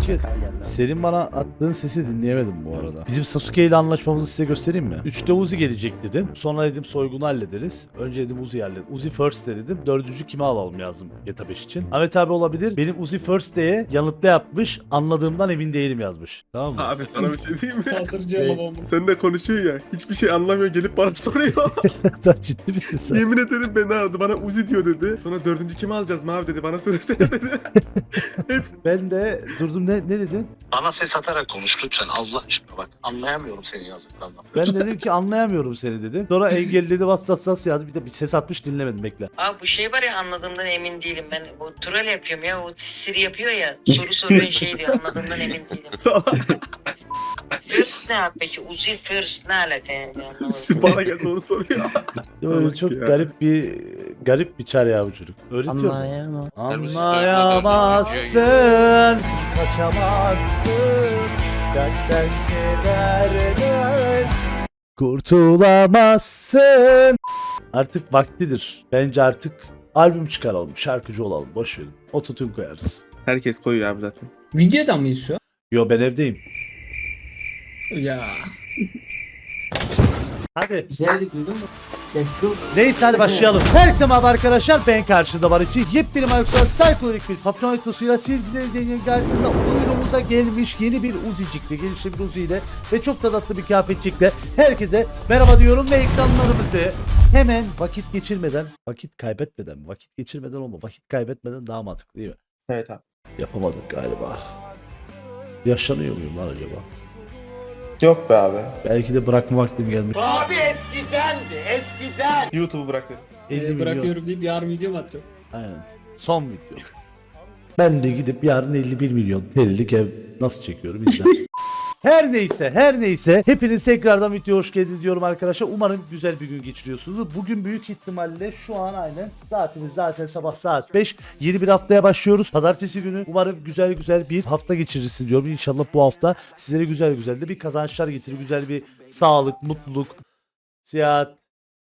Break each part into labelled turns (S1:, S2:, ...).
S1: Sasuke, senin bana attığın sesi dinleyemedim bu arada. Bizim Sasuke ile anlaşmamızı size göstereyim mi? 3'te Uzi gelecek dedim. Sonra dedim soygunu hallederiz. Önce dedim Uzi hallet. Uzi first de dedim. Dördüncü kimi alalım yazdım GTA 5 için. Ahmet abi olabilir. Benim Uzi first diye yanıtla yapmış. Anladığımdan emin değilim yazmış. Tamam mı?
S2: Abi sana bir şey diyeyim mi?
S3: Hazır cevabım.
S2: Sen de konuşuyor ya. Hiçbir şey anlamıyor gelip bana soruyor.
S1: Sen ciddi misin sen?
S2: Yemin ederim beni aradı. Bana Uzi diyor dedi. Sonra dördüncü kimi alacağız Mavi dedi. Bana söylesene dedi.
S1: Ben de durdum ne dedim?
S4: Bana ses atarak konuş lütfen Allah aşkına bak. Anlayamıyorum senin yazdıklarından.
S1: Ben dedim ki anlayamıyorum seni dedim. Sonra engelledi vasıtasız yazdı. Bir de bir ses atmış dinlemedim bekle.
S5: Abi bu şey var ya anladığımdan emin değilim. Ben bu troll yapıyorum ya. O Siri yapıyor ya. Soru soruyor şey diyor. Anladığımdan emin değilim. First ne abi peki? Uzi first ne alaka yani? Anlamadım.
S2: Bana geldi onu soruyor.
S1: Öyle
S2: Bak
S1: çok
S2: ya.
S1: garip bir çar ya bu çocuk. Öğretiyorsun.
S6: Anlayamam.
S1: Anlayamazsın, kaçamazsın, dertten kederden kurtulamazsın. Artık vaktidir. Bence artık albüm çıkaralım, şarkıcı olalım, boş verin. Ototune koyarız.
S2: Herkes koyuyor abi zaten.
S3: Videoda mıyız şu an?
S1: Yo ben evdeyim.
S3: Ya.
S1: Hadi.
S6: Güzeldi duydun mu? Let's go.
S1: Neyse hadi başlayalım. Herkese merhaba arkadaşlar, ben karşıda var için yepyeni Microsoft Psycholik bir Papyon Ektosuyla sevgili izleyicilerin karşısında oyunumuza gelmiş yeni bir Uzi'cikle, gelişli bir Uzi ile ve çok da tatlı bir kıyafetçikle herkese merhaba diyorum ve ekranlarımızı hemen vakit kaybetmeden olma, vakit kaybetmeden daha mantıklı değil mi?
S2: Evet abi.
S1: Yapamadık galiba. Yaşlanıyor muyum lan acaba?
S2: Yok be abi.
S1: Belki de bırakma vaktim gelmiş.
S2: YouTube'u bırakıyorum.
S1: 50 milyon.
S3: Bırakıyorum deyip yarın video mu atacağım?
S1: Aynen. Son video. Ben de gidip yarın 51 milyon TL'lik ev nasıl çekiyorum izle. Her neyse hepiniz tekrardan videoya hoş geldiniz diyorum arkadaşlar. Umarım güzel bir gün geçiriyorsunuz. Bugün büyük ihtimalle şu an aynen saatimiz zaten sabah saat 5. Yeni bir haftaya başlıyoruz. Pazartesi günü umarım güzel bir hafta geçirirsin diyorum. İnşallah bu hafta sizlere güzel de bir kazançlar getirir. Güzel bir sağlık, mutluluk, seyahat.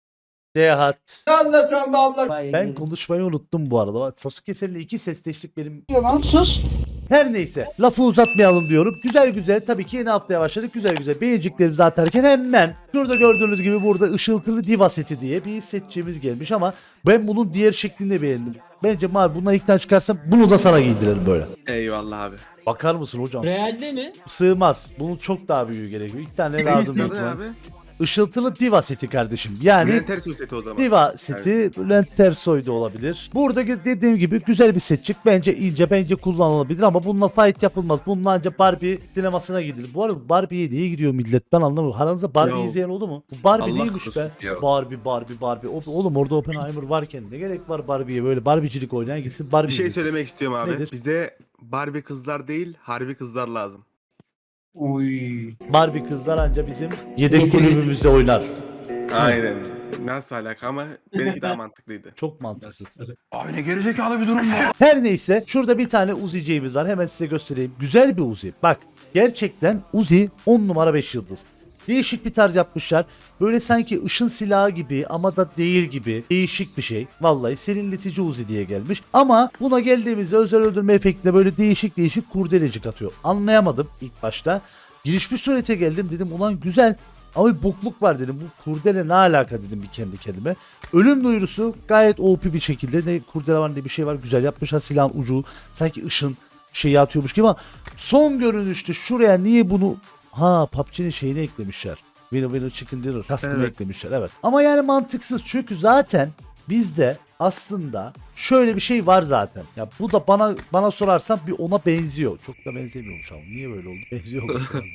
S1: Ben konuşmayı unuttum bu arada. Sasuke seninle iki sesleştik benim.
S6: Sus.
S1: Her neyse lafı uzatmayalım diyorum. Güzel tabii ki yeni haftaya başladık. Güzel beğeneceklerimizi atarken hemen şurada gördüğünüz gibi burada ışıltılı diva seti diye bir setçimiz gelmiş ama ben bunun diğer şeklini de beğendim. Bence Mavi bundan ilk tane çıkarsam bunu da sana giydirelim böyle.
S2: Eyvallah abi.
S1: Bakar mısın hocam?
S3: Realde mi?
S1: Sığmaz. Bunun çok daha büyüğü gerekiyor. İlk tane lazım büyük
S2: Ne
S1: ihtimal.
S2: abi?
S1: Işıltılı diva seti kardeşim. Yani
S2: Bülent Ersoy seti o zaman.
S1: diva seti, Bülent Ersoy da olabilir. Burada dediğim gibi güzel bir setçik. Bence ince, bence kullanılabilir ama bununla fight yapılmaz. Bununla ancak Barbie sinemasına gidilir. Bu arada Barbie'ye diye gidiyor millet. Ben anlamıyorum. Aranızda Barbie
S2: Ya.
S1: izleyen oldu mu? Bu Barbie
S2: Allah
S1: neymiş be?
S2: korusun. Ya.
S1: Barbie. Oğlum orada Oppenheimer varken ne gerek var Barbie'ye, böyle Barbie'cilik oynayan gitsin Barbie
S2: Bir şey
S1: izlesin.
S2: söylemek istiyorum abi.
S1: Nedir?
S2: Bize Barbie kızlar değil, harbi kızlar lazım.
S6: Uy.
S1: Barbie kızlar anca bizim yedek
S6: Getir,
S1: kulübümüzde oynar.
S2: Aynen. Nasıl alaka ama benimki daha mantıklıydı.
S1: Çok mantıksız.
S7: Abi ne gerizekalı bir durum bu.
S1: Her neyse şurada bir tane Uzi'ciğimiz var. Hemen size göstereyim. Güzel bir Uzi. Bak gerçekten Uzi 10 numara 5 yıldız. Değişik bir tarz yapmışlar. Böyle sanki ışın silahı gibi ama da değil gibi. Değişik bir şey. Vallahi serinletici Uzi diye gelmiş. Ama buna geldiğimizde özel öldürme efektinde böyle değişik kurdelecik atıyor. Anlayamadım ilk başta. Giriş bir surete geldim, dedim ulan güzel. Ama bir bokluk var dedim. Bu kurdele ne alaka dedim bir kendi kendime. Ölüm duyurusu gayet OP bir şekilde. Ne kurdele var ne bir şey var. Güzel yapmışlar, silahın ucu sanki ışın şeyi atıyormuş gibi ama son görünüşte şuraya niye bunu PUBG'nin şeyini eklemişler. Winner Chicken Dinner kaskını
S2: Evet.
S1: eklemişler, evet. Ama yani mantıksız çünkü zaten bizde aslında şöyle bir şey var zaten. Ya bu da bana sorarsan bir ona benziyor. Çok da benzemiyormuş ama. Niye böyle oldu? Benziyor olması lazım.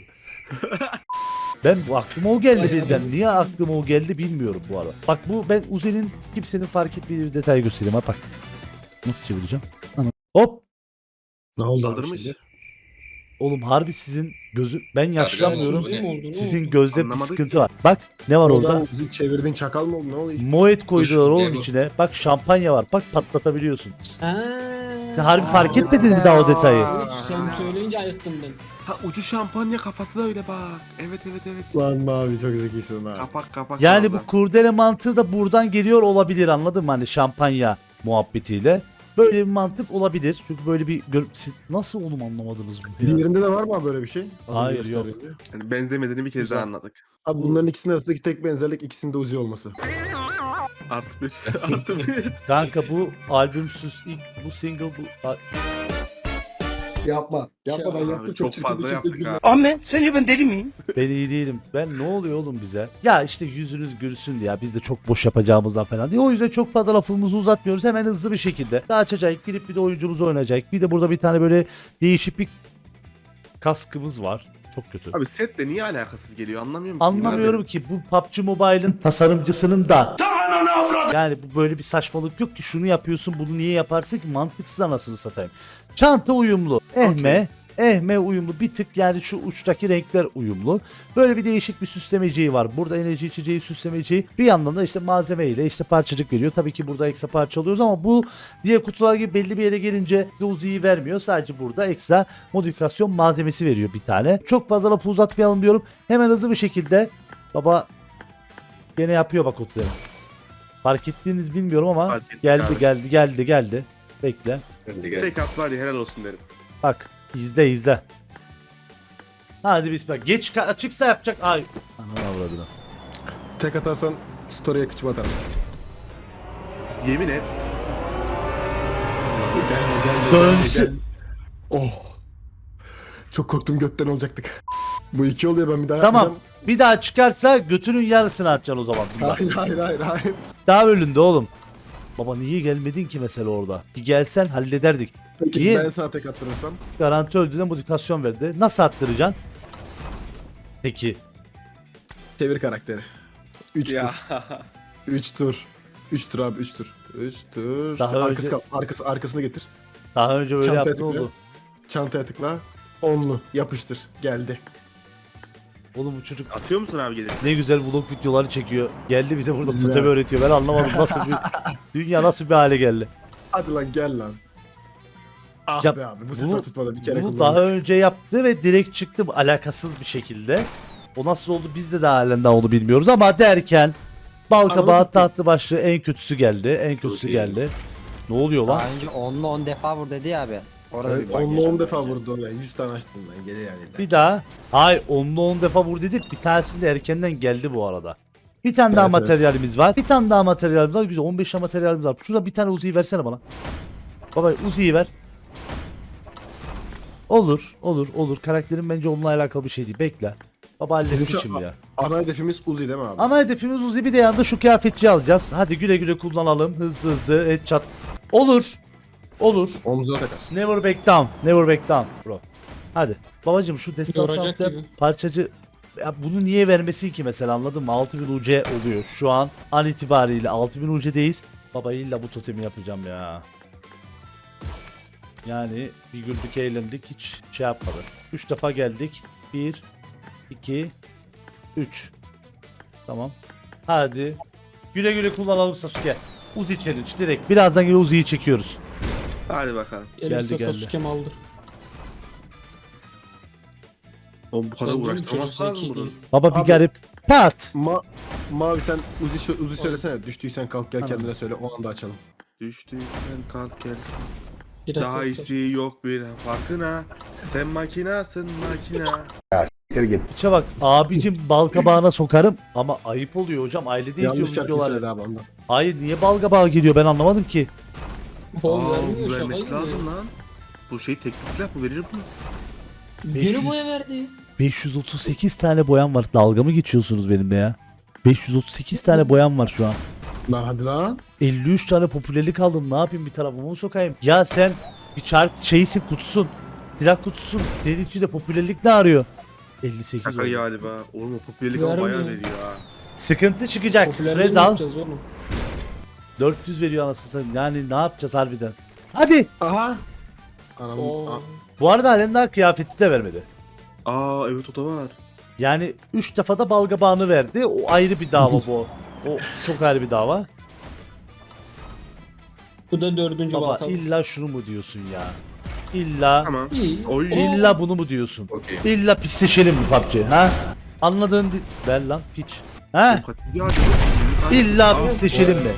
S1: Ben bu aklıma o geldi birden. Niye aklıma o geldi bilmiyorum bu arada. Bak bu ben Uzi'nin kimsenin fark etmediği bir detay göstereyim. Ha bak. Nasıl çevireceğim? Hop.
S7: Ne oldu abi
S2: Kaldırmış.
S7: şimdi?
S1: Oğlum harbi sizin ben yaşlanmıyorum.
S3: Uzun mu oldu, ne
S1: Sizin
S3: oldu?
S1: gözde bir
S2: Anlamadık
S1: sıkıntı
S2: ki.
S1: var. Bak ne var orada?
S7: Oradan bizi çevirdin çakal mı oldu ne oldu?
S1: Moet koydular oğlum içine. Bak şampanya var. Bak patlatabiliyorsun. Sen harbi fark etmedin mi daha o detayı?
S3: Sen söyleyince ayıktım ben.
S2: Ha ucu şampanya kafası da öyle bak. Evet.
S7: Lan Mavi çok zekisin ha.
S2: Kapak.
S1: Yani
S2: orada.
S1: bu kurdele mantığı da buradan geliyor olabilir, anladın mı? Hani şampanya muhabbetiyle. Böyle bir mantık olabilir. Çünkü böyle bir siz nasıl oğlum anlamadınız bunu ya?
S7: Diğerinde de var mı abi böyle bir şey? Az önce
S1: Hayır, yok.
S7: gösterdiğinde.
S2: Yani benzemediğini bir kez
S7: Güzel.
S2: daha anladık.
S7: Abi bunların ikisinin arasındaki tek benzerlik ikisinde Uzi olması.
S2: Artı bir. Artı bir.
S1: Kanka bu albümsüz ilk bu single bu
S7: Yapma.
S3: Yapma, ben
S2: Abi çok fazla yaptık ha.
S8: Ahmet sence ben deli miyim?
S1: ben iyi değilim. Ben ne oluyor oğlum bize? Ya işte yüzünüz gülsün ya biz de çok boş yapacağımızdan falan diye. O yüzden çok fazla lafımızı uzatmıyoruz. Hemen hızlı bir şekilde. Daha açacak girip bir de oyuncumuzu oynayacak. Bir de burada bir tane böyle değişik bir kaskımız var. Çok kötü.
S2: Abi setle niye alakasız geliyor anlamıyorum ki.
S1: Anlamıyorum ki bu PUBG Mobile'ın tasarımcısının da yani bu böyle bir saçmalık yok ki şunu yapıyorsun bunu niye yaparsın ki mantıksız anasını satayım. Çanta uyumlu. Ehme uyumlu bir tık yani şu uçtaki renkler uyumlu. Böyle bir değişik bir süslemeciği var. Burada enerji içeceği süslemeciği bir yandan da işte malzeme ile işte parçacık veriyor. Tabii ki burada ekstra parça alıyoruz ama bu diğer kutular gibi belli bir yere gelince Uzi'yi vermiyor. Sadece burada ekstra modifikasyon malzemesi veriyor bir tane. Çok fazla lafı uzatmayalım diyorum. Hemen hızlı bir şekilde baba gene yapıyor bak kutuları. Fark ettiğiniz bilmiyorum ama
S2: Fark ettik
S1: geldi. Bekle.
S2: Tek at var ya helal olsun derim.
S1: Bak izle. Hadi bismillah. Geç açıksa yapacak. Ay. Ananı avradını.
S7: Tek atarsan story'e kıçım atarım.
S2: Yemin et.
S1: Dönsün.
S7: Oh. Çok korktum götten olacaktık. Bu iki oluyor ben bir daha
S1: Tamam.
S7: yapacağım.
S1: Bir daha çıkarsa götünün yarısını atacaksın o zaman. Bundan.
S7: Hayır.
S1: Daha önünde oğlum. Baba niye gelmedin ki mesela orada? Bir gelsen hallederdik.
S7: Peki
S1: Niye?
S7: ben sana tek attırırsam?
S1: Garanti öldüğüne modifikasyon verdi. Nasıl attıracaksın? Peki.
S7: Çevir karakteri. 3
S2: Ya.
S7: tur. 3 tur. 3 tur abi 3 tur. 3 tur.
S1: Daha
S7: Arkası
S1: önce-
S7: kalsın. Arkasını getir.
S1: Daha önce böyle
S7: Çantaya
S1: yaptın
S7: tıkla.
S1: oldu.
S7: Çantaya tıkla. Onlu. Yapıştır. Geldi.
S1: Oğlum bu çocuk
S2: Atıyor musun abi gelip?
S1: ne güzel vlog videoları çekiyor. Geldi bize burada
S7: Güzel.
S1: tutemi öğretiyor. Ben anlamadım nasıl bir dünya nasıl bir hale geldi.
S7: Hadi lan gel lan. Ah
S1: Ya
S7: be abi bu
S1: bunu-
S7: sefer tutmadı bir kere
S1: Bunu
S7: kullandık.
S1: daha önce yaptı ve direkt çıktı alakasız bir şekilde. O nasıl oldu biz de daha halen daha onu bilmiyoruz ama derken Balkabağı
S7: Anasını-
S1: tahtlı başlığı en kötüsü geldi. En kötüsü geldi. Ne oluyor lan?
S9: Daha önce 10'la 10 defa vur dedi ya abi. Orada
S7: Evet,
S9: bir bug
S7: 10'la 10
S9: yaşadım
S7: defa
S9: bence.
S7: vurdu oraya. 100 tane açtım ben. Gelir yani.
S1: Bir daha. Hayır 10'la 10 defa vur dedik. Bir tanesi de erkenden geldi bu arada. Bir tane daha
S7: Evet, evet.
S1: materyalimiz var. Bir tane daha materyalimiz var. Güzel 15 tane materyalimiz var. Şurada bir tane Uzi'yi versene bana. Baba Uzi'yi ver. Olur. Karakterin bence onunla alakalı bir şey değil. Bekle. Baba halletsin
S7: Bizim şu-
S1: şimdi ya.
S7: Ana hedefimiz Uzi değil mi abi?
S1: Ana hedefimiz Uzi bir de yanında şu kıyafetçiyi alacağız. Hadi güle güle kullanalım. Hızlı headshot. Olur.
S7: Omzuna takarsın.
S1: Never back down bro. Hadi. Babacım şu destansı
S3: Yoracak
S1: atlayan
S3: gibi.
S1: parçacı ya bunu niye vermesin ki mesela anladın mı? 6000 UC oluyor. Şu an itibariyle 6000 UC'deyiz. Baba illa bu totemi yapacağım ya. Yani bir güldük eğlendik hiç şey yapmadı. 3 defa geldik. 1 2 3 Tamam. Hadi. Güle güle kullanalım Sasuke. Uzi challenge direkt. Birazdan yine Uzi'yi çekiyoruz.
S2: Hadi bakalım.
S3: Elbise
S1: geldi.
S3: Sasuke'm aldır.
S2: Oğlum bu kadar
S3: Ben diyorum,
S2: uğraştırmaz
S3: çocuk
S2: lazım
S3: zeki
S2: bunu.
S3: değil.
S1: Baba bir
S7: Abi-
S1: garip. Pat.
S7: Mavi sen Uzi söylesene. Düştüysen kalk gel
S1: Tamam.
S7: kendine söyle. O anda açalım.
S2: Düştüysen kalk gel.
S3: Biraz
S2: Daha
S3: ses
S2: iyisi yok bir farkına. Sen makinasın makina.
S1: İçe bak abicim balkabağına sokarım ama ayıp oluyor hocam ailede
S7: Yanlış
S1: izliyoruz
S7: şarkı söyledi
S1: videoları.
S7: abi ondan.
S1: Hayır niye balkabağı geliyor ben anlamadım ki.
S3: Bol
S2: Aa,
S3: vermiyor
S2: bu
S3: şaka
S2: vermesi
S3: gibi.
S2: lazım lan. Bu şey tekli silah bu verir bunu.
S1: 500.
S3: Geri boya verdi.
S1: 538 tane boyam var dalga mı geçiyorsunuz benimle ya? 538 tane boyam var şu an.
S7: Lan hadi lan.
S1: 53 tane popülerlik aldım ne yapayım bir tarafıma mı sokayım? Ya sen bir çark şeysin kutusun. Silah kutusun. Senin içinde popülerlik ne arıyor? 58
S2: Şaka
S1: oldu.
S2: galiba. Oğlum o popülerlik ama
S3: Vermiyor.
S2: bayağı veriyor ha.
S1: Sıkıntı çıkacak.
S3: Popülerliği
S1: Rezal
S3: yapacağız oğlum.
S1: 400 veriyor anasını satayım. Yani ne yapacağız harbiden? Hadi.
S7: Aha. Anam.
S3: Oo.
S1: Bu arada halen daha kıyafeti de vermedi.
S2: Aa evet o da var.
S1: Yani 3 defa da balgabağını verdi. O ayrı bir dava bu. O çok ayrı bir dava.
S3: Bu da 4.
S1: Baba
S3: balkan.
S1: illa şunu mu diyorsun ya? İlla
S2: Tamam.
S3: İyi.
S2: Oy.
S1: illa bunu mu diyorsun? İlla pisleşelim mi PUBG ha? Anladığın ver lan piç. Ha?
S2: Ya,
S1: İlla
S2: Aa,
S1: pisleşelim mi?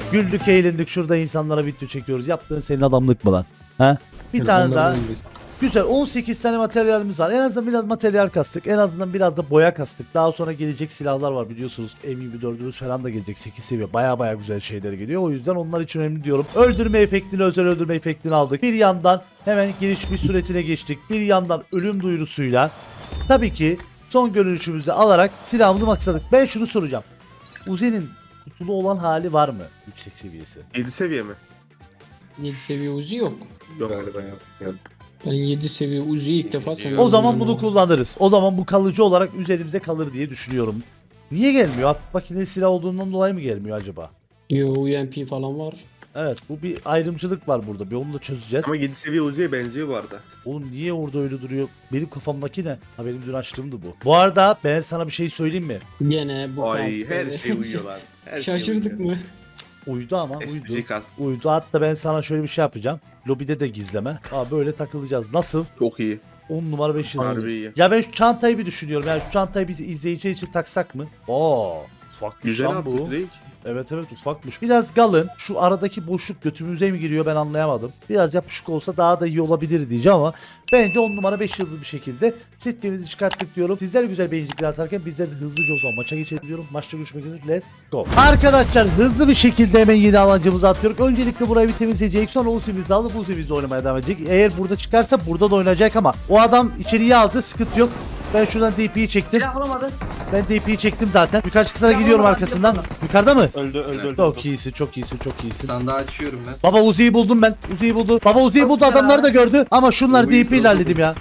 S1: Güldük eğlendik şurada insanlara video çekiyoruz. Yaptığın senin adamlık mı lan? Ha? Bir tane daha. Güzel 18 tane materyalimiz var. En azından biraz materyal kastık. En azından biraz da boya kastık. Daha sonra gelecek silahlar var biliyorsunuz. M24'ümüz falan da gelecek 8 seviye. Baya güzel şeyler geliyor. O yüzden onlar için önemli diyorum. Öldürme efektini, özel öldürme efektini aldık. Bir yandan hemen giriş bir süretine geçtik. Bir yandan ölüm duyurusuyla tabii ki son görünüşümüzde alarak silahımızı maksadık. Ben şunu soracağım. Uzi'nin kutulu olan hali var mı? Yüksek seviyesi.
S2: 7 seviye mi?
S3: 7 seviye Uzi yok.
S2: Yok.
S6: Galiba yok.
S3: Ben 7 seviye Uzi'yi ilk defa sana
S1: O zaman bunu kullanırız. O zaman bu kalıcı olarak üzerimizde kalır diye düşünüyorum. Niye gelmiyor? Hafif makineli silah olduğundan dolayı mı gelmiyor acaba?
S3: Yo UMP falan var.
S1: Evet bu bir ayrımcılık var burada. Bir onu da çözeceğiz.
S2: Ama 7 seviye Uzi'ye benziyor bu arada.
S1: Oğlum niye orada öyle duruyor? Benim kafamdaki ne? Ha benim dün açtığımdı bu. Bu arada ben sana bir şey söyleyeyim mi?
S3: Gene bu
S2: Ay
S3: kask.
S2: her şey uyuyorlar. Her şey
S3: Şaşırdık
S2: uyuyor.
S3: mı?
S1: Uydu ama uydu.
S2: SPG kask.
S1: Uydu. Hatta ben sana şöyle bir şey yapacağım. Lobide de gizleme. Aa böyle takılacağız. Nasıl?
S2: Çok iyi.
S1: 10 numara 5 yıldız.
S2: Harbi iyi.
S1: Ya ben şu çantayı bir düşünüyorum. Yani şu çantayı biz izleyiciler için taksak mı? Oo, ufakmış
S2: Güzel
S1: lan
S2: abi
S1: bu.
S2: değil.
S1: Evet ufakmış. Biraz galın. Şu aradaki boşluk götümüze mi giriyor ben anlayamadım. Biraz yapışık olsa daha da iyi olabilir diyeceğim ama bence 10 numara 5 yıldız bir şekilde setlerimizi çıkarttık diyorum. Sizler güzel beğenicikler atarken bizler de hızlıca o zaman maça geçelim diyorum. Maçta görüşmek üzere. Let's go. Arkadaşlar hızlı bir şekilde hemen yeni alancımızı atıyoruz. Öncelikle burayı bir temizleyecek. Sonra Uzi'mizi alıp Uzi'mizi oynamaya devam edecek. Eğer burada çıkarsa burada da oynayacak ama o adam içeriye aldı. Sıkıntı yok. Ben şuradan DP'yi çektim.
S6: Silah bulamadı.
S1: Ben DP'yi çektim zaten. Yukarı çıksana
S6: Ya
S1: gidiyorum
S6: oğlum,
S1: arkasından. Yukarıda mı?
S8: Öldü.
S1: Çok iyisin, çok iyisin, çok iyisin.
S8: Sandığı açıyorum ben.
S1: Baba Uzi'yi buldum ben. Uzi'yi buldu. Baba Uzi'yi
S6: Çok
S1: buldu.
S6: güzel
S1: Adamları da
S6: abi.
S1: gördü. Ama şunlar
S8: Uzi'yi
S1: DP ile
S8: buldu.
S1: halledim ya.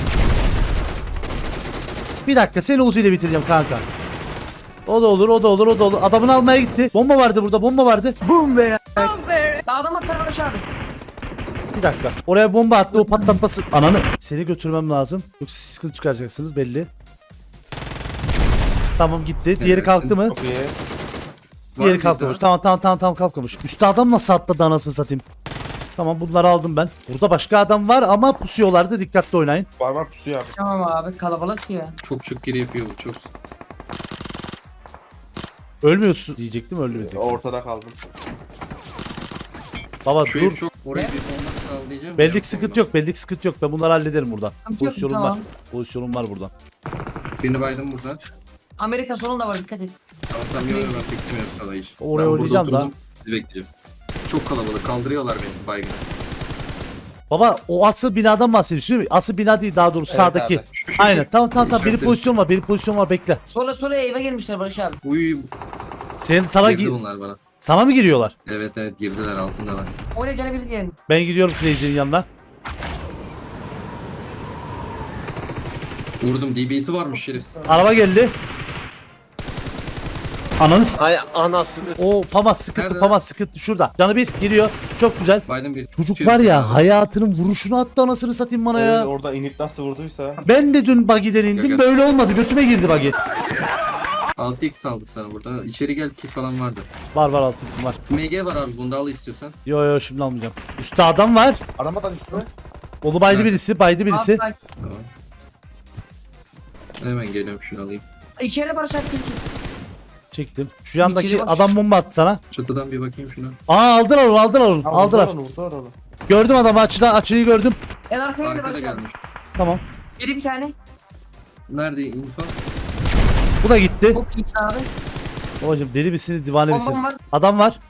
S1: Bir dakika seni Uzi ile bitireceğim kanka. O da olur, o da olur, o da olur. Adamını almaya gitti. Bomba vardı burada, bomba vardı.
S6: Adam atlar Barış abi.
S1: Bir dakika. Oraya bomba attı, o patlatması. Ananı. Seni götürmem lazım. Yoksa siz sıkıntı çıkaracaksınız belli. Tamam gitti. Diğeri
S8: Helalsin.
S1: kalktı mı?
S8: Var
S1: Diğeri
S8: bir
S1: kalkmamış.
S8: daha.
S1: Tamam kalkmamış. Üstte adam nasıl atladı anasını satayım. Tamam bunları aldım ben. Burada başka adam var ama pusuyorlardı. Dikkatli oynayın.
S8: Var pusuyor abi.
S6: Tamam abi kalabalık ya.
S8: Çok geri yapıyor bu çok.
S1: Ölmüyorsun diyecektim öldü bizi.
S8: Ortada kaldım.
S1: Baba
S8: Şu
S1: dur.
S8: ev çok orayı bir bomba sağlayacağım.
S1: Bellik sıkıntı yok. Bellik sıkıntı yok. Ben bunları hallederim buradan.
S6: Sıkıntı yok,
S1: Pozisyonum
S6: tamam.
S1: var. Pozisyonum var buradan.
S8: Birini baydım buradan.
S6: Amerika sonunda var dikkat et.
S8: Tamam ben beklemiyorum sana hiç.
S1: Oraya
S8: Ben
S1: oynayacağım
S8: burada
S1: da.
S8: oturdum, sizi bekleyeceğim. Çok kalabalık kaldırıyorlar beni baygın.
S1: Baba o asıl binadan bahsediyorsun değil mi? Asıl bina değil daha doğrusu sağdaki. Aynen tamam. Benim
S8: İşaretledim.
S1: pozisyon var. Benim pozisyon var bekle.
S6: Sola eve gelmişler Barış abi.
S8: Uy
S1: Sana
S8: girdi bunlar bana.
S1: sana mı giriyorlar?
S8: Evet girdiler altındalar.
S6: Oraya gelebilir diyelim.
S1: Ben gidiyorum Crazy'nin yanına.
S8: Vurdum DB'si varmış şerefsiz.
S1: Araba geldi. Ananız.
S2: Ay anasını.
S1: O Famas sıkıntı,
S8: Nerede?
S1: Famas sıkıntı şurada. Canı bir giriyor. Çok güzel.
S8: Baydım bir.
S1: Çocuk
S8: Şerefsiz
S1: var ya
S8: abi.
S1: hayatının vuruşunu attı anasını satayım bana ya.
S2: Orada inip nasıl vurduysa.
S1: Ben de dün buggy'den indim
S8: Gel.
S1: böyle olmadı. Götüme girdi buggy.
S8: 6x aldım sana burada. İçeri gel kit falan vardı.
S1: Var 6x'im var.
S8: MG var abi bunu da al istiyorsan.
S1: Yo şimdi almayacağım. Üstte adam var.
S2: Aramadan üstüne.
S1: Onu baydı
S8: Nerede?
S1: birisi, baydı birisi.
S6: Abi,
S8: Tamam. Hemen geliyorum şunu alayım.
S6: İçeride Barış abi.
S1: Çektim. Şu yandaki
S6: İçeri bak.
S1: adam bomba attı sana.
S8: Çatıdan bir bakayım şuna.
S1: Aa aldılar onu. Aldılar. Gördüm adamı açıyı gördüm.
S6: En arkaya gel
S8: Arkada
S6: Barış abi.
S8: gelmiş.
S1: Tamam.
S6: Biri bir tane.
S8: Nerede info?
S1: Bu da gitti.
S6: Çok iyi abi.
S1: Babacım deli misin, divane misin?
S6: Bombam var.
S1: Adam var.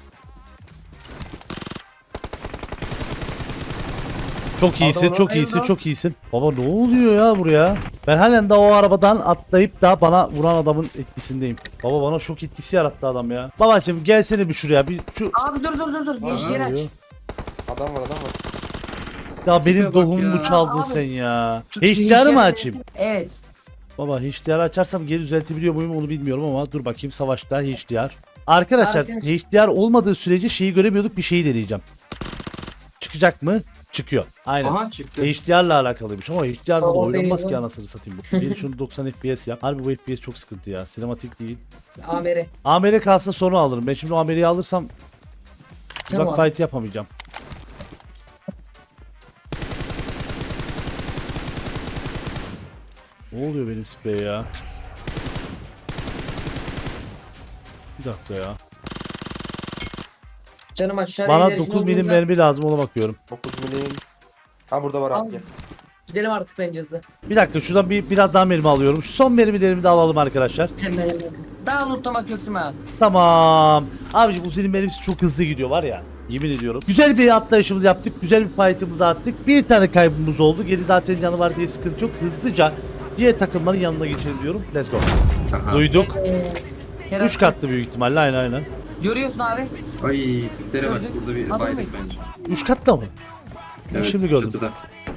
S1: Çok iyisin, çok iyisin,
S6: Eyvallah.
S1: çok iyisin. Baba ne oluyor ya buraya? Ben halen de o arabadan atlayıp da bana vuran adamın etkisindeyim. Baba bana şok etkisi yarattı adam ya. Babacım gelsene bir şuraya. Bir şu
S6: Abi dur. Gençleri aç.
S2: Adam var.
S1: ya benim
S8: bak
S1: doğumumu
S8: ya.
S1: çaldın
S6: Abi.
S1: sen ya.
S6: Tut-
S1: HDR'ı mı
S6: gençleri-
S1: açayım?
S6: Evet.
S1: Baba HDR açarsam geri düzeltebiliyor muyum onu bilmiyorum ama dur bakayım savaşta HDR. Arkadaşlar HDR olmadığı sürece şeyi göremiyorduk, bir şeyi deneyeceğim. Çıkacak mı? Çıkıyor. Aynen.
S8: Aha çıktı.
S1: HDR'la alakalıymış ama HDR'da da
S6: O
S1: oynanmaz
S6: benim
S1: ki
S6: o.
S1: anasını satayım. Beni şunu 90 FPS yap. Harbi bu FPS çok sıkıntı ya. Sinematik değil.
S6: Amere.
S1: AMR kalsın sonra alırım. Ben şimdi o AMR'yi alırsam uzak
S6: Tamam.
S1: fight yapamayacağım. Ne oluyor benim sprey ya? Bir dakika ya.
S6: Canım aşağıda
S1: Bana
S6: ilerisi
S1: 9 milim
S6: olduğunda-
S1: mermi lazım, ona bakıyorum.
S7: 9 milim. Ha burada var
S6: Al.
S7: abi gel.
S6: Gidelim artık bence hızlı.
S1: Bir dakika, şuradan biraz daha mermi alıyorum. Şu son mermilerimi de alalım arkadaşlar.
S6: Hemen. Daha lootlamak yok değil mi abi?
S1: Tamam. Abicim Uzi'nin mermisi çok hızlı gidiyor var ya. Yemin ediyorum. Güzel bir atlayışımızı yaptık. Güzel bir fight'ımızı attık. Bir tane kaybımız oldu. Geri zaten canı var diye sıkıntı yok. Hızlıca diğer takımların yanına geçelim diyorum. Let's go.
S8: Aha.
S1: Duyduk.
S6: Kerem,
S1: 3 katlı büyük ihtimalle. Aynen.
S6: görüyorsun abi.
S8: Ay tiplere bak,
S6: Gördün.
S8: burada bir
S6: Adam
S8: bayrak
S6: mıyız?
S8: bence.
S1: 3 katlı mı?
S8: Evet,
S1: Şimdi gördüm.
S8: çatıda.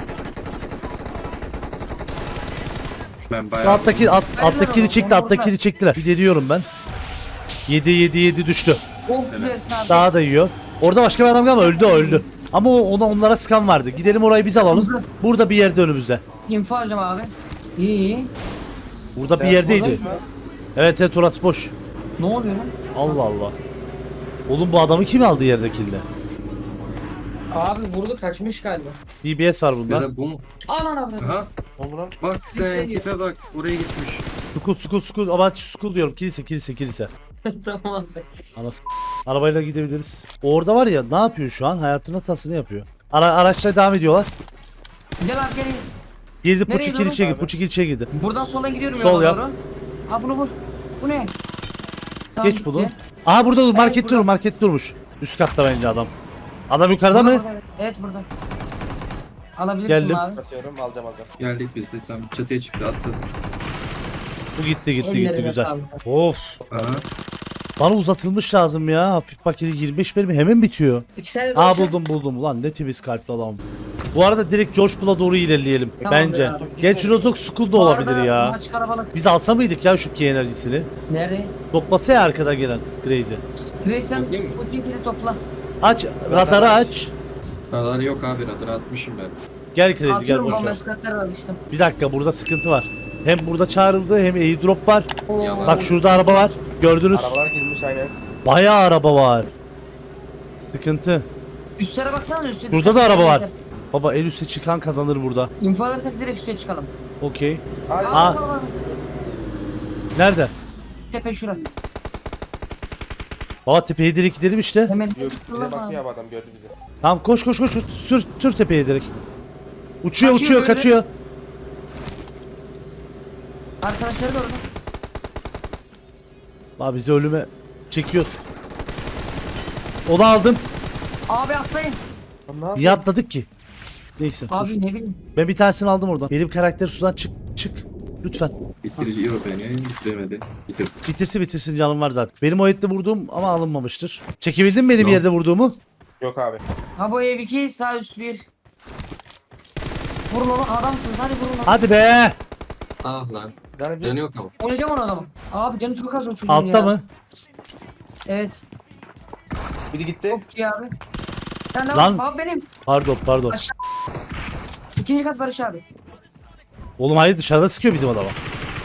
S8: Ben bayağı...
S1: Alttakini çekti. Alttakini çektiler. Bir deniyorum ben. 7 düştü.
S6: Oh güzelsin abi.
S1: Daha da yiyor. Orada başka bir adam galiba öldü. Ama onlara sıkan vardı. Gidelim orayı biz alalım. Burada bir yerde önümüzde.
S6: İnfo alacağım abi. İyi.
S1: Burada bir yerdeydi. Evet orası boş.
S6: Ne oluyor lan?
S1: Allah Allah. Oğlum bu adamı kim aldı yerdekinde?
S6: Abi vurdu kaçmış galiba.
S1: DBS var
S8: Ya
S1: bunda.
S8: da bu mu?
S6: Anan abi.
S8: Aha. Bak sen tipe bak, oraya geçmiş.
S1: Sukul. Ama sukul diyorum. Kilise.
S6: Tamam abi.
S1: Anası. Arabayla gidebiliriz. Orada var ya, ne yapıyor şu an? Hayatının hatasını yapıyor. Araçla devam ediyorlar.
S6: Gel abi gel.
S1: Girdi
S6: Nereye
S1: Puçi
S6: doğru?
S1: kilişe girdi. Puçi kilişe girdi.
S6: Buradan sola gidiyorum
S1: Sol
S6: yola
S1: yap.
S6: doğru. Ha bunu vur. Bu ne? Tamam,
S1: Geç bunu.
S6: gitti.
S1: Aha burada dur. Market
S6: burada.
S1: dur. Market durmuş. Üst katta bence adam. Adam yukarıda mı?
S6: Burada. Evet burada. Alabilirsin
S1: Geldim.
S6: abi.
S7: Basıyorum alacağım.
S8: Geldik biz de, tam çatıya çıktı, atladı.
S1: Bu gitti
S6: Ellerine
S1: güzel.
S6: sağlık.
S1: Of.
S8: Aha.
S1: Bana uzatılmış lazım ya. Hafif paketi 25 mermi hemen bitiyor.
S6: İki sene
S1: Aa
S6: boşa-
S1: buldum. Ulan ne temiz kalpli adam. Bu arada direkt George Bull'a doğru ilerleyelim.
S6: Tamam
S1: Bence.
S6: ya.
S1: Gerçi Rozok School da
S6: Bu
S1: olabilir
S6: arada
S1: ya.
S6: Maç karabalık.
S1: Biz alsa mıydık ya şu KNL'sini?
S6: Nerede?
S1: Toplasa ya arkada gelen Crazy.
S6: Grayson
S8: Bakayım mı?
S6: bu tinkini topla.
S1: Aç radarı aç.
S8: Radar yok abi, radar atmışım ben.
S1: Gel Crazy gel
S6: Atıyorum
S1: boş
S6: bomba
S1: ver.
S6: eskatları alıştım.
S1: Bir dakika, burada sıkıntı var. Hem burada çağrıldı hem airdrop var.
S8: Yalan.
S1: Bak şurada araba var. Gördünüz.
S7: Arabalar girmiş aynen.
S1: Bayağı araba var. Sıkıntı.
S6: Üstlere baksana üstte.
S1: Burada da araba var. Baba en üste çıkan kazanır burada.
S6: İnfo alırsak direkt üste çıkalım.
S1: Okey.
S7: Hadi.
S1: Aa. Nerede?
S6: Tepe şura.
S1: Baba tepeye direkt gidelim işte.
S6: Hemen
S7: Yok, bize
S6: Dur
S7: bakıyor
S6: lan.
S7: abi adam gördü bizi.
S1: Tamam koş. Sür tepeye direkt. Uçuyor
S6: Kaçıyor böyle.
S1: kaçıyor.
S6: Arkadaşları da orada.
S1: Abi bizi ölüme çekiyor. Onu aldım.
S6: Abi atlayın.
S7: Lan ne yapıyor?
S1: Niye atladık ki? Neyse. dur.
S6: Abi ne bileyim.
S1: Ben bir tanesini aldım oradan. Benim karakter sudan çık. Lütfen.
S8: Bitiriyor beni, bitiremedi. Bitir.
S1: Bitirsin canım var zaten. Benim o etle vurduğum ama alınmamıştır. Çekebildin mi benim
S8: Yok.
S1: yerde vurduğumu?
S7: Yok abi.
S6: Ha bu ev 2 sağ üst 1. Vurun onu adamsınız hadi vurun onu.
S1: Hadi be.
S8: Ah lan.
S7: Yani bir
S8: Canı yok ama.
S6: Oynayacağım onu adamı. Abi canı çok az o çocuğun
S1: Altta
S6: ya.
S1: mı?
S6: Evet.
S7: biri gitti.
S6: Çok iyi abi. Sen de
S1: Lan.
S6: Abi benim.
S1: Pardon.
S6: İkinci kat Barış abi.
S1: Oğlum hayır, dışarıda sıkıyor bizim adama.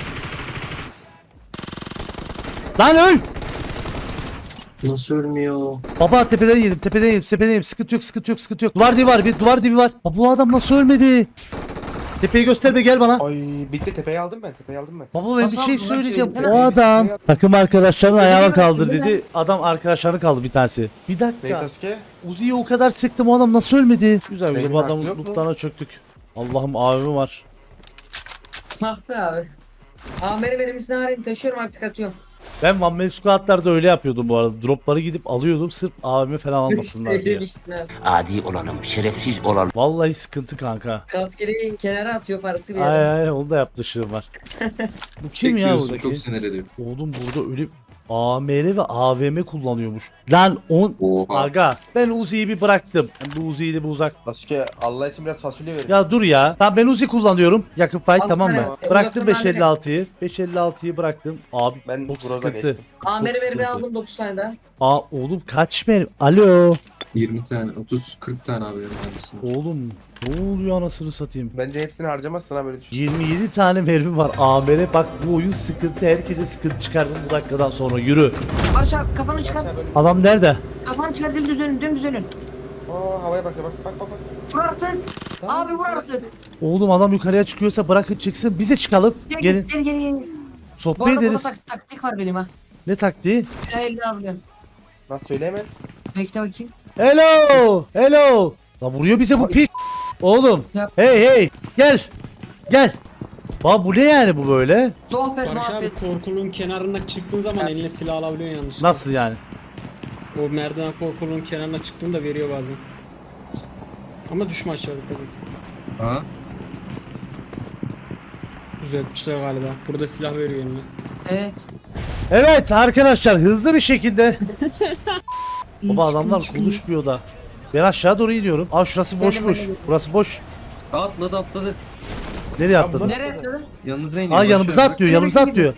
S1: Lan öl.
S8: Nasıl ölmüyor?
S1: Baba tepeden yedim. Sıkıntı yok. Duvar dibi var. Baba bu adam nasıl ölmedi? Tepeyi gösterme, gel bana.
S7: Ay bitti tepeyi aldım ben.
S1: Baba ben
S6: Nasıl
S1: bir şey
S6: aldın lan
S1: söyleyeceğim.
S6: şeyi?
S1: O adam takım arkadaşlarını ayağına
S6: Öyle
S1: kaldır
S6: mi?
S1: dedi. Adam arkadaşlarını kaldı bir tanesi. Bir
S7: Neyse
S1: dakika.
S7: Sasuke.
S1: Uzi'yi o kadar sıktım, o adam nasıl ölmedi? Güzel
S7: Benim
S1: bu adamın
S7: hakkı yok mu?
S1: lootlarına çöktük. Allah'ım abim var.
S6: Ah be abi. Ameri benim narin taşıyorum artık atıyorum.
S1: Ben One Man Squad'larda öyle yapıyordum bu arada. Dropları gidip alıyordum sırf abimi falan almasınlar diye.
S6: Sevmişsin abi.
S4: Adi olalım, şerefsiz olalım.
S1: Vallahi sıkıntı kanka.
S6: Kaskeri kenara atıyor farklı bir yere.
S1: Ay onu da yaptışığım var. Bu kim ya
S8: Çekiyorsun,
S1: buradaki?
S8: çok sinir ediyor.
S1: Oğlum burada öyle AMR ve AVM kullanıyormuş. Lan
S8: Oha.
S1: Aga ben Uzi'yi bir bıraktım. Bu Uzi'yi de bir uzak.
S7: Sasuke Allah için biraz fasulye verin.
S1: Ya dur ya. Tamam ben Uzi kullanıyorum. Yakın fight
S6: Al
S1: tamam
S6: sana.
S1: mı?
S6: E,
S1: Bıraktım
S6: uzaktan
S1: 556'yı. 556'yı bıraktım. Abi
S7: Ben
S1: çok
S7: Groza
S1: sıkıntı.
S7: geçtim.
S6: Ameri
S1: Çok
S6: verimi
S1: sıkıntı.
S6: aldım 9 tane daha.
S1: Aa oğlum kaç mermi? Alo.
S8: 20 tane, 30, 40 tane abi vermişsin.
S1: Oğlum ne oluyor anasını satayım.
S7: Bence hepsini harcamazsın ha böyle düşün.
S1: 27 tane mermi var AMR. Bak bu oyun sıkıntı. Herkese sıkıntı çıkardım bu dakikadan sonra. Yürü.
S6: Barış abi kafanı çıkar.
S1: Adam nerede?
S6: Kafanı çıkar dümdüz önün.
S7: Aa havaya bak bak.
S6: Vur artık. Abi vur artık.
S1: Oğlum adam yukarıya çıkıyorsa bırakın çıksın. Biz de çıkalım. Gelin.
S6: Gel. Bu
S1: Sohbet
S6: arada burada
S1: ederiz.
S6: taktik var benim ha.
S1: Ne taktiği?
S6: Silah 50 alıyorum.
S7: Nasıl söyle hemen.
S6: Bekle bakayım.
S1: Hello. Hello. Lan vuruyor bize bu pik. Oğlum.
S6: Yap.
S1: Hey hey. Gel. Gel. Bak bu ne yani bu böyle?
S6: Sohbet
S3: Barış abi
S6: muhabbet.
S3: korkulun kenarına çıktığın zaman eline silah alabiliyorsun yanlışlıkla.
S1: Nasıl yani?
S3: O merdiven korkulun kenarına çıktığında veriyor bazen. Ama düşme aşağıda tabii.
S8: Ha?
S3: Düzeltmişler galiba. Burada silah veriyor eline.
S6: Evet.
S1: Evet arkadaşlar hızlı bir şekilde. Baba adamlar konuşmuyor da. Ben aşağı doğru iniyorum. Aa şurası boşmuş. Burası boş.
S8: Atladı atladı.
S1: Nereye atladın?
S6: Nereye atladın?
S8: Yanınıza iniyor.
S1: Aa
S8: Barış
S1: yanımıza
S8: abi.
S1: atlıyor, yanımıza atlıyor.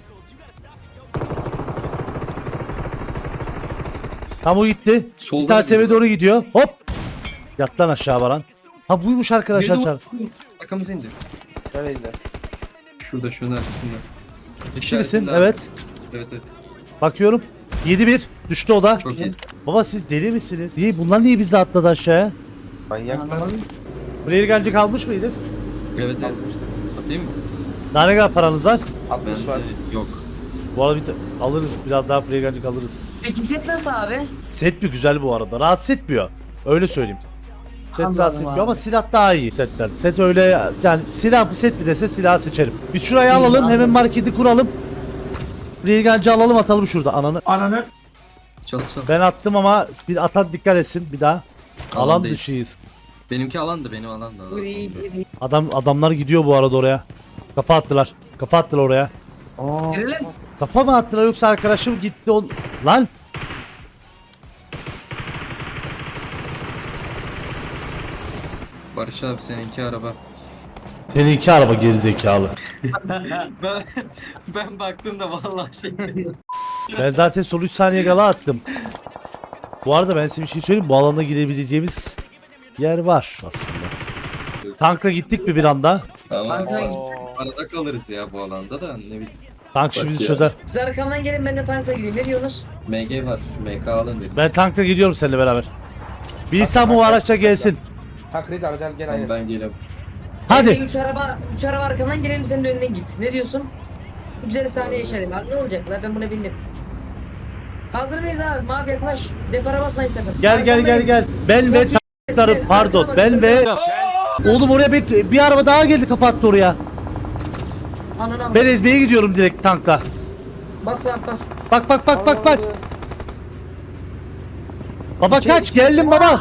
S1: Tam o gitti.
S8: Solda
S1: Bir tane
S8: da
S1: seviye
S8: gidiyor.
S1: doğru gidiyor. Hop. Yat lan aşağı Baran. Ha buymuş arkadaşlar.
S8: Biri de
S1: çar.
S8: Arkamıza indi.
S9: Nereydi?
S8: Şurada şunun arkasında.
S1: Kişisin
S8: İşaretinde abi.
S1: evet.
S8: Evet evet.
S1: Bakıyorum. 7-1. Düştü o da.
S8: Çok iyi.
S1: Baba siz deli misiniz? Bunlar niye bizde atladı aşağıya?
S9: Manyaklar.
S1: Buraya gelince kalmış mıydık?
S8: Evet evet. Atayım mı?
S1: Daha ne kadar paranız var?
S9: 60 var.
S8: Yok.
S1: Bu arada alırız. Biraz daha buraya gelince alırız.
S6: Peki set nasıl abi?
S1: Set mi güzel bu arada. Rahatsız etmiyor. Öyle söyleyeyim. Set
S6: Anladım
S1: rahatsız
S6: abi.
S1: etmiyor ama silah daha iyi setten. Set öyle yani silah bir set mi dese silahı seçerim. Biz şurayı alalım hemen marketi kuralım. Regancı alalım atalım şurada ananı.
S8: Çal çal.
S1: Ben attım ama bir atan dikkat etsin bir daha. Alan
S8: Alandayız.
S1: dışıyız.
S8: Benimki alandı benim alandı.
S1: Adamlar gidiyor bu arada oraya. Kafa attılar. Kafa attılar oraya.
S6: Girelim.
S1: Kafa mı attılar yoksa arkadaşım gitti lan.
S8: Barış abi seninki araba.
S1: Seninki araba gerizekalı.
S8: ben baktım da vallahi şey.
S1: Ben zaten son 3 saniye gala attım. Bu arada ben size bir şey söyleyeyim. Bu alanda girebileceğimiz yer var aslında. Tankla gittik mi bir anda?
S8: Ama
S6: Tankla gittik.
S8: arada kalırız ya bu alanda da ne bileyim.
S1: Tank şimdi
S8: Bak ya.
S1: çözer.
S6: Siz arkamdan gelin ben de tankla gideyim. Ne diyorsunuz?
S8: MG var. MK alın bir.
S1: Ben tankla gidiyorum seninle beraber. Bir insan bu araçla gelsin.
S9: Hakriz alacağım gel
S8: Tamam,
S9: hayır.
S8: ben geliyorum.
S1: Hadi.
S6: 3 araba arkamdan gelelim senin de önden git. Ne diyorsun? Güzel bir sahne yaşayalım. Abi ne olacak lan ben buna bindim. Hazır mıyız abi? Mavi yaklaş. Depara basmayın sakın.
S1: Gel. Ben ve tanklarım pardon. Ben ve... Oğlum oraya bir araba daha geldi kapattı oraya.
S6: Anına
S1: Ben ezmeye gidiyorum direkt tankla.
S6: bas abi bas.
S1: Bak. Baba kaç geldim baba.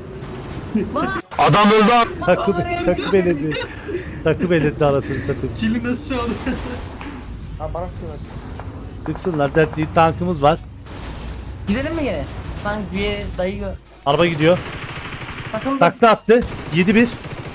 S1: Adam öldü. Takım eledi. Takım eledi arasını satayım.
S8: Kili nasıl çaldı?
S9: Ha bana sıkıyorlar.
S1: Tıksınlar dert değil tankımız var.
S6: Gidelim mi gene? Tank bir yere dayıyor.
S1: Araba gidiyor.
S6: Takıldı.
S1: Takla attı. 7-1.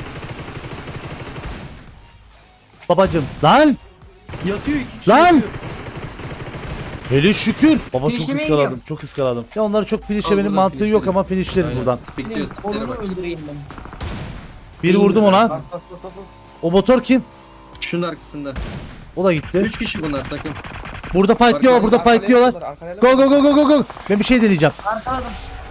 S1: Babacım lan
S8: Yatıyor iki kişi.
S1: lan. Hele şükür. Baba çok
S6: Finişlemeye
S1: ıskaladım.
S6: gidiyorum.
S1: Çok ıskaladım. Ya onları çok finişlemenin
S8: buradan
S1: mantığı yok
S8: finişledim.
S1: ama finişleriz
S8: Aynen.
S1: buradan.
S8: Bekliyor. tiplere
S6: Onu
S8: bak.
S6: öldüreyim ben.
S1: Bir vurdum ona.
S9: Bas.
S1: O motor kim?
S8: Şunun arkasında.
S1: O da gitti.
S8: 3 kişi bunlar takım.
S1: Burada fightlıyorlar. Burada fightlıyorlar. Go go. Ben bir şey deneyeceğim.
S6: Arkaladım.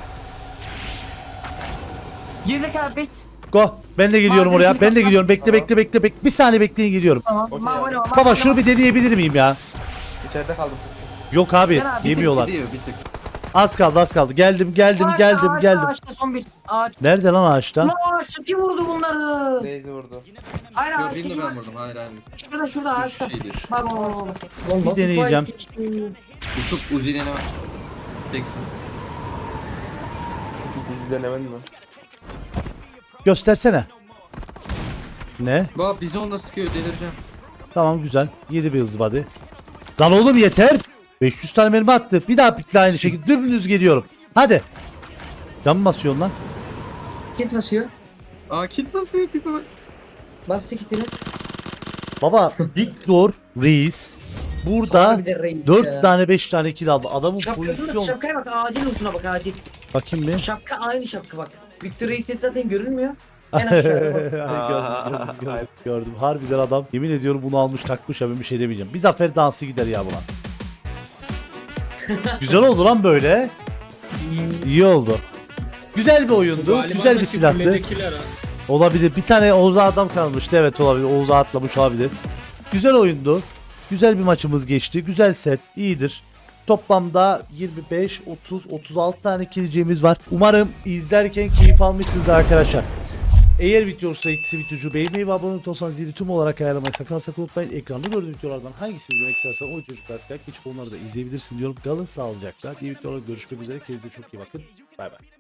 S6: Girdik abi biz.
S1: Go. Ben de gidiyorum oraya. Ben de gidiyorum. Bekle. Bir saniye bekleyin gidiyorum.
S6: Tamam. Mavi o.
S1: Baba şunu bir deneyebilir miyim ya?
S9: İçeride kaldım.
S1: Yok abi.
S6: Gel abi,
S1: Yemiyorlar.
S8: Gidiyor bir tık.
S1: Az kaldı. Geldim.
S6: Ağaçta son bir. Ağaç.
S1: Nerede lan ağaçta?
S6: Lan ağaç kim vurdu bunları?
S9: Reis'i vurdu.
S6: Hayır
S8: Yok
S6: ağaçtaki
S8: birini
S6: var.
S8: ben vurdum. Hayır hayır.
S6: Şurada ağaçta.
S8: Üç şeydir.
S6: Bak.
S1: Bir deneyeceğim.
S8: Bu çok uzilene var. Teksin.
S9: Bizi denemedin mi?
S1: Göstersene. Ne?
S8: Bak bizi onunla sıkıyor delireceğim.
S1: Tamam güzel. 7 bir hızlı body. Lan oğlum yeter. 500 tane mermi attı. Bir daha pikle aynı şekilde. Dümdüz geliyorum. Hadi. Can mı basıyorsun lan?
S6: Kit basıyor.
S8: Aa kit basıyor tipi bak.
S6: Bastı kitini.
S1: Baba Victor Reis burada
S6: Abi de reis
S1: 4
S6: ya.
S1: tane 5 tane kill aldı. Adamın
S6: Şapkasına
S1: pozisyon.
S6: şapkaya bak acil ucuna bak acil.
S1: Bakayım bir.
S6: Şapka aynı şapka bak. Victor Reis zaten görünmüyor. En aşağıda bak.
S1: gördüm. Harbiden adam. Yemin ediyorum bunu almış takmış ya ben bir şey demeyeceğim. Bir zafer dansı gider ya buna. Güzel oldu lan böyle. İyi oldu. Güzel bir oyundu. Güzel bir silahtı. Olabilir. Bir tane Oğuz'a adam kalmıştı. Evet olabilir. Oğuz'a atlamış olabilir. Güzel oyundu. Güzel bir maçımız geçti. Güzel set. İyidir. Toplamda 25, 30, 36 tane kileceğimiz var. Umarım izlerken keyif almışsınızdır arkadaşlar. Eğer video hoşsa videocu beğenmeyi ve abone olursanız zili tüm olarak ayarlamayı sakın unutmayın. Ekranda gördüğünüz videolardan hangisini izlemek istersen o videoları geçip onları da izleyebilirsin diyorum. Kalın sağlıcakla. Diğer videolarda görüşmek üzere. Kendinize çok iyi bakın. Bay bay.